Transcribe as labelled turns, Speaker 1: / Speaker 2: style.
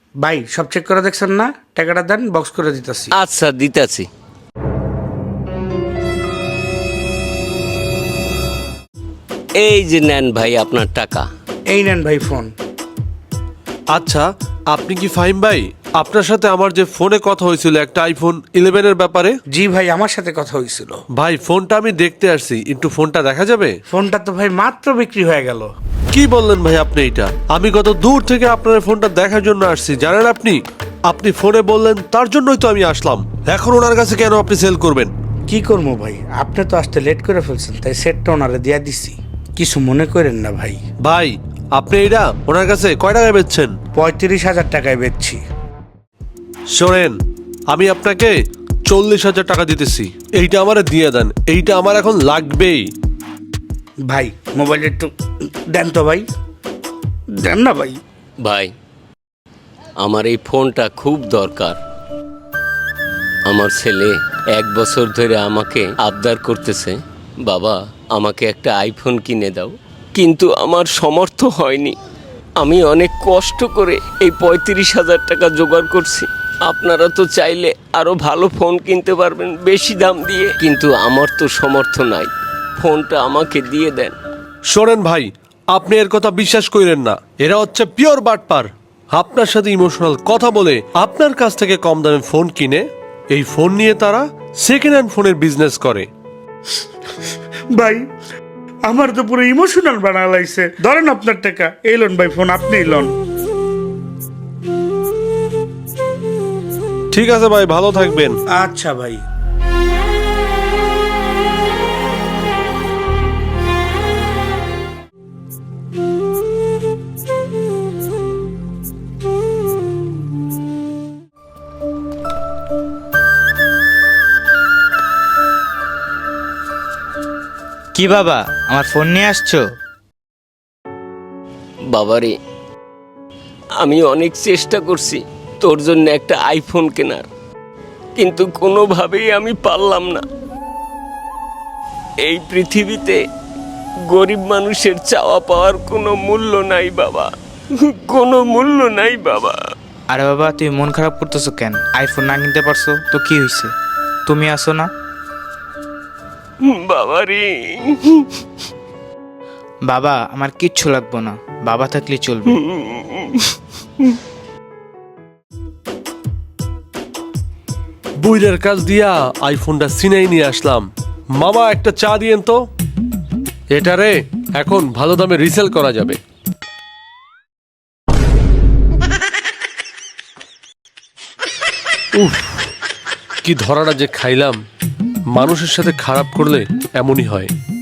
Speaker 1: ভাই সব চেক করে দেখছেন না? টাকাটা দেন, বক্স করে দিতেছি।
Speaker 2: আচ্ছা দিতেছি। এই যে নেন ভাই আপনার টাকা।
Speaker 1: এই নেন ভাই ফোন।
Speaker 3: আচ্ছা, আপনি কি ফাহিম ভাই? আপনার সাথে আমার যে ফোনে কথা হয়েছিল একটা আইফোন 11 এর ব্যাপারে।
Speaker 1: জি ভাই, আমার সাথে কথা হয়েছিল।
Speaker 3: ভাই ফোনটা আমি দেখতে আসছি, একটু ফোনটা দেখা যাবে?
Speaker 1: ফোনটা তো ভাই মাত্র বিক্রি হয়ে গেল।
Speaker 3: কি বললেন ভাই আপনি? এটা আমি কত দূর থেকে আপনার ফোনটা দেখার জন্য আসছি জানেন আপনি? আপনি ফোনে বললেন তার জন্যই তো আমি আসলাম। এখন ওনার কাছে কেন আপনি সেল করবেন?
Speaker 1: কি করবো ভাই, আপনি তো আসতে লেট করে ফেলছেন, তাই সেটটা ওনারে দিয়া দিছি। কিছু মনে করেন না ভাই।
Speaker 3: ভাই আপনি এটা ওনার কাছে কয় টাকায় বেচছেন?
Speaker 1: 35,000 টাকায় বেচছি।
Speaker 3: শোনেন, আমি আপনাকে 40,000 টাকা দিতেছি, এইটা আমারে দিয়ে দেন, এইটা আমার এখন লাগবেই।
Speaker 1: ভাই মোবাইলটা একটু দেন তো ভাই, দেন না ভাই।
Speaker 2: ভাই আমার এই ফোনটা খুব দরকার। আমার ছেলে 1 বছর ধরে আমাকে আবদার করতেছে, বাবা আমাকে একটা আইফোন কিনে দাও, কিন্তু আমার সমর্থ হয়নি। আমি অনেক কষ্ট করে এই 35,000 টাকা জোগাড় করছি। আপনারা তো চাইলে আরো ভালো ফোন কিনতে পারবেন বেশি দাম দিয়ে, কিন্তু আমার তো সমর্থ নাই। ফোনটা আমাকে দিয়ে দেন।
Speaker 3: শোনেন ভাই, আপনি এর কথা বিশ্বাস করেন না, এরা হচ্ছে পিওর বাটপার। আপনার সাথে ইমোশনাল কথা বলে আপনার কাছ থেকে কম দামে ফোন কিনে এই ফোন নিয়ে তারা সেকেন্ড হ্যান্ড ফোনের বিজনেস করে।
Speaker 1: ভাই আমার তো পুরো ইমোশনাল বানা লাইছে। ধরেন আপনার টাকা, এই লোন ভাই, ফোন আপনিই লোন।
Speaker 3: ঠিক আছে ভাই, ভালো থাকবেন।
Speaker 1: আচ্ছা ভাই।
Speaker 4: কি বাবা, আমার ফোন নিয়ে আসছো?
Speaker 2: বাবারে, আমি অনেক চেষ্টা করছি তোর জন্য একটা আইফোন কেনার, কিন্তু কোনোভাবেই আমি পারলাম না। এই পৃথিবীতে গরিব মানুষের চাওয়া পাওয়ার কোনো মূল্য নাই বাবা, কোনো মূল্য নাই বাবা।
Speaker 4: আরে বাবা, তুমি মন খারাপ করতেছো কেন? আইফোন না কিনতে পারছো তো কি হয়েছে? তুমি আসো না।
Speaker 2: বাবারে,
Speaker 4: বাবা আমার কিচ্ছু লাগবো না, বাবা থাকলে চলবে।
Speaker 3: বুইরের কাজ দিয়া আইফোনটা সিনাই নিয়ে আসলাম। মামা একটা চা দিয়েন তো। এটারে এখন ভালো দামে রিসেল করা যাবে। উফ, কি ধরাটা যে খাইলাম। মানুষের সাথে খারাপ করলে এমনই হয়।